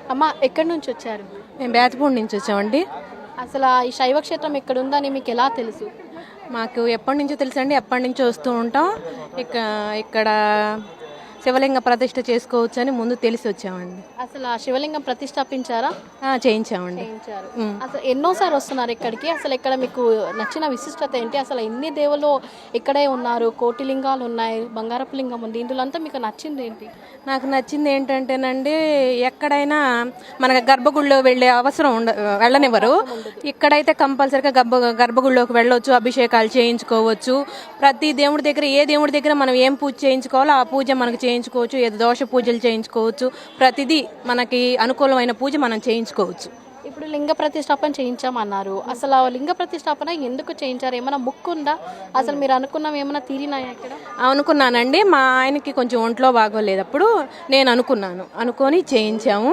అమ్మ ఎక్కడి నుంచి వచ్చారు? మేము బేతపూడి నుంచి వచ్చామండి. అసలు ఈ శైవ క్షేత్రం ఇక్కడ ఉందని మీకు ఎలా తెలుసు? మాకు ఎప్పటి నుంచో తెలుసండి, ఎప్పటి నుంచో వస్తూ ఉంటాం. ఇక్కడ శివలింగ ప్రతిష్ఠ చేసుకోవచ్చు అని ముందు తెలిసి వచ్చామండి. అసలు ఆ శివలింగం ప్రతిష్టాపించారా? చేయించామండి. చేయించారు. అసలు ఎన్నోసారి వస్తున్నారు ఇక్కడికి? అసలు ఇక్కడ మీకు నచ్చిన విశిష్టత ఏంటి? అసలు ఎన్ని దేవుళ్ళు ఇక్కడే ఉన్నారు, కోటి లింగాలు ఉన్నాయి, బంగారపు లింగం ఉంది, ఇందులో అంతా మీకు నచ్చింది ఏంటి? నాకు నచ్చింది ఏంటంటేనండి, ఎక్కడైనా మనకు గర్భగుడిలో వెళ్ళే అవసరం వెళ్ళనివ్వరు. ఇక్కడైతే కంపల్సరీగా గర్భగుడిలోకి వెళ్ళవచ్చు, అభిషేకాలు చేయించుకోవచ్చు. ప్రతి దేవుడి దగ్గర, ఏ దేవుడి దగ్గర మనం ఏం పూజ చేయించుకోవాలో ఆ పూజ మనకు చేయించుకోవచ్చు. ఏదో దోష పూజలు చేయించుకోవచ్చు. ప్రతిదీ మనకి అనుకూలమైన పూజ మనం చేయించుకోవచ్చు. ఇప్పుడు లింగ ప్రతిష్టాపన చేయించామన్నారు. అసలు ఆ లింగ ప్రతిష్టాపన ఎందుకు చేయించారు? ఏమైనా ముక్కు ఉందా? అసలు మీరు అనుకున్నవి ఏమైనా తీరినాయా ఇక్కడ? అనుకున్నానండి. మా ఆయనకి కొంచెం ఒంట్లో బాగోలేదప్పుడు నేను అనుకొని చేయించాము.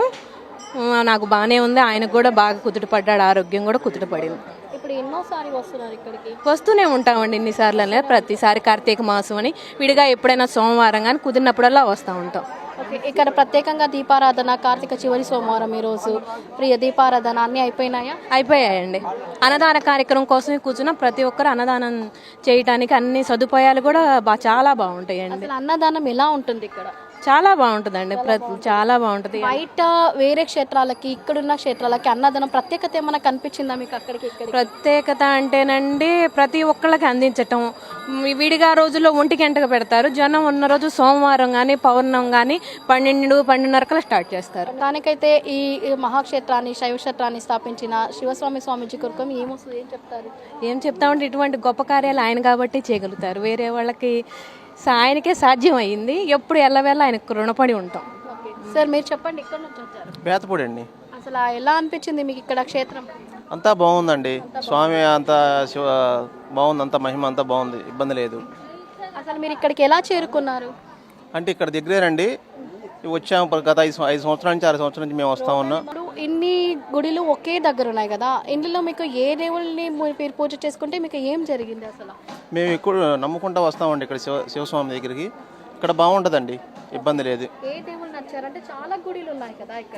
నాకు బాగానే ఉంది. ఆయనకు కూడా బాగా కుదుటపడ్డాడు, ఆరోగ్యం కూడా కుదుటపడింది. ఇప్పుడు ఎన్నోసారి వస్తున్నారు ఇక్కడికి? వస్తూనే ఉంటామండి, ఇన్నిసార్లు. ప్రతిసారి కార్తీక మాసం అని విడిగా ఎప్పుడైనా సోమవారం కానీ కుదిరినప్పుడల్లా వస్తూ ఉంటాం. ఓకే, ఇక్కడ ప్రత్యేకంగా దీపారాధన, కార్తీక చివరి సోమవారం ఈరోజు ప్రియ దీపారాధన అన్నీ అయిపోయినాయా? అయిపోయాయండి. అన్నదాన కార్యక్రమం కోసమే కూర్చున్న ప్రతి ఒక్కరు అన్నదానం చేయడానికి అన్ని సదుపాయాలు కూడా చాలా బాగుంటాయండి. అసలు అన్నదానం ఎలా ఉంటుంది ఇక్కడ? చాలా బాగుంటుందండి, చాలా బాగుంటుంది. బయట వేరే క్షేత్రాలకి ఇక్కడున్న క్షేత్రాలకి అన్నదానం ప్రత్యేకత ఏమైనా కనిపించిందా మీకు? అక్కడికి ప్రత్యేకత అంటేనండి, ప్రతి ఒక్కళ్ళకి అందించటం. విడిగా రోజుల్లో 1 గంటకు పెడతారు. జనం ఉన్న రోజు సోమవారం కానీ పౌర్ణం కానీ 12-12:30 స్టార్ట్ చేస్తారు. దానికైతే ఈ మహాక్షేత్రాన్ని, శైవ క్షేత్రాన్ని స్థాపించిన శివస్వామి స్వామీజీ కొరకు ఏమొస్తుంది, ఏం చెప్తారు? ఏం చెప్తామంటే, ఇటువంటి గొప్ప కార్యాలు ఆయన కాబట్టి చేయగలుగుతారు. వేరే వాళ్ళకి ఆయనకే సాధ్యం అయ్యింది. ఎప్పుడు ఎల్లవేళ ఆయనకు రుణపడి ఉంటాం. సార్ మీరు చెప్పండి, ఇక్కడ నుంచి వచ్చారు? బేతపూడి అండి. అసలు ఎలా అనిపించింది మీకు ఇక్కడ క్షేత్రం? అంతా బాగుందండి. స్వామి అంతా బాగుంది, అంతా మహిమ అంతా బాగుంది, ఇబ్బంది లేదు. అసలు మీరు ఇక్కడికి ఎలా చేరుకున్నారు? అంటే ఇక్కడ దగ్గరేనండి, వచ్చాము. గత 5 సంవత్సరాల నుంచి 6 సంవత్సరాల నుంచి మేము వస్తా ఉన్నాం. ఇప్పుడు ఇన్ని గుడిలు ఒకే దగ్గర ఉన్నాయి కదా, ఇందులో మీకు ఏ దేవుళ్ళని మీరు పూజ చేసుకుంటే మీకు ఏం జరిగింది? అసలు మేము ఇక్కడ నమ్ముకుంటా వస్తామండి. ఇక్కడ శివస్వామి దగ్గరికి ఇక్కడ బాగుంటుందండి, ఇబ్బంది లేదు. ఏ దేవుళ్ళు నచ్చారంటే చాలా గుడిలు ఉన్నాయి కదా ఇక్కడ.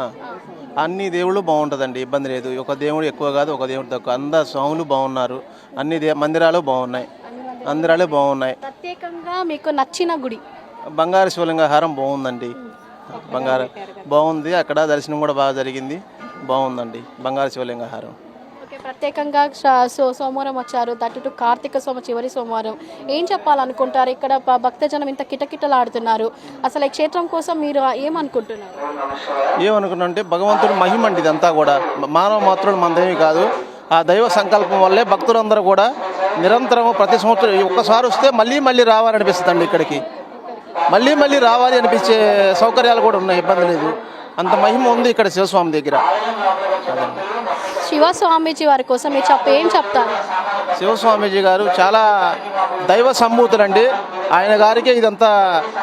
అన్ని దేవుళ్ళు బాగుంటుందండి, ఇబ్బంది లేదు. ఒక దేవుడు ఎక్కువ కాదు, ఒక దేవుడు తక్కువ. అందరు స్వాములు బాగున్నారు. అన్ని మందిరాలు బాగున్నాయి. ప్రత్యేకంగా మీకు నచ్చిన గుడి? బంగారు శివలింగ హారం బాగుందండి. బంగారు బాగుంది. అక్కడ దర్శనం కూడా బాగా జరిగింది, బాగుందండి బంగారు శివలింగ హారం. ఓకే, ప్రత్యేకంగా సోమవారం వచ్చారు, దట్టు కార్తీక చివరి సోమవారం. ఏం చెప్పాలనుకుంటారు? ఇక్కడ భక్తజనం ఇంత కిటకిటలాడుతున్నారు. అసలు ఈ క్షేత్రం కోసం మీరు ఏమనుకుంటున్నారు? ఏమనుకున్నా అంటే, భగవంతుడు మహిమ అండి ఇదంతా కూడా. మానవ మాత్రుడు మనదేమీ కాదు. ఆ దైవ సంకల్పం వల్లే భక్తులందరూ కూడా నిరంతరం ప్రతి సంవత్సరం ఒక్కసారి వస్తే మళ్ళీ రావాలనిపిస్తుంది అండి. ఇక్కడికి మళ్ళీ రావాలి అనిపించే సౌకర్యాలు కూడా ఉన్నాయి, ఇబ్బంది లేదు. అంత మహిమ ఉంది ఇక్కడ శివస్వామి దగ్గర. శివస్వామీజీ వారి కోసం మీరు ఏం చెప్తారు? శివస్వామీజీ గారు చాలా దైవ సంభూతులండి. ఆయన గారికి ఇదంతా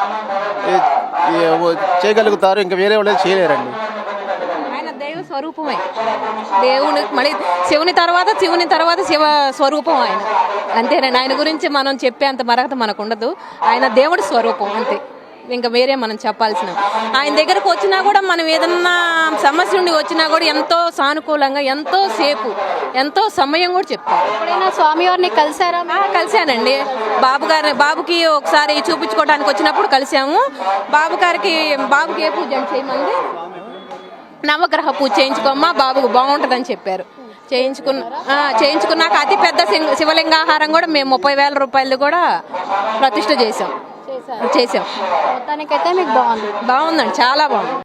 చేయగలుగుతారు, ఇంకా వేరే వాళ్ళు చేయలేరండి. ఆయన దైవ స్వరూపమే. దేవుని మళ్ళీ శివుని తర్వాత శివ స్వరూపం ఆయన. అంతేనండి. ఆయన గురించి మనం చెప్పే అంత మరకత మనకు ఉండదు. ఆయన దేవుడి స్వరూపం అంతే, ఇంకా వేరే మనం చెప్పాల్సిన. ఆయన దగ్గరకు వచ్చినా కూడా మనం ఏదన్నా సమస్య నుండి వచ్చినా కూడా ఎంతో సానుకూలంగా, ఎంతో సమయం కూడా చెప్తారు. ఎప్పుడైనా స్వామివారిని కలిసారా? కలిశానండి. బాబుకి ఒకసారి చూపించుకోవడానికి వచ్చినప్పుడు కలిసాము. బాబుకి ఏ పూజ చేయమంది? నవగ్రహ పూజ చేయించుకోమ్మా, బాబుకు బాగుంటుందని చెప్పారు. చేయించుకున్నాక అతి పెద్ద శివలింగాహారం కూడా మేము 30,000 రూపాయలు కూడా ప్రతిష్ఠ చేసాం. మొత్తానికైతే మీకు బాగుందండి, చాలా బాగుంది.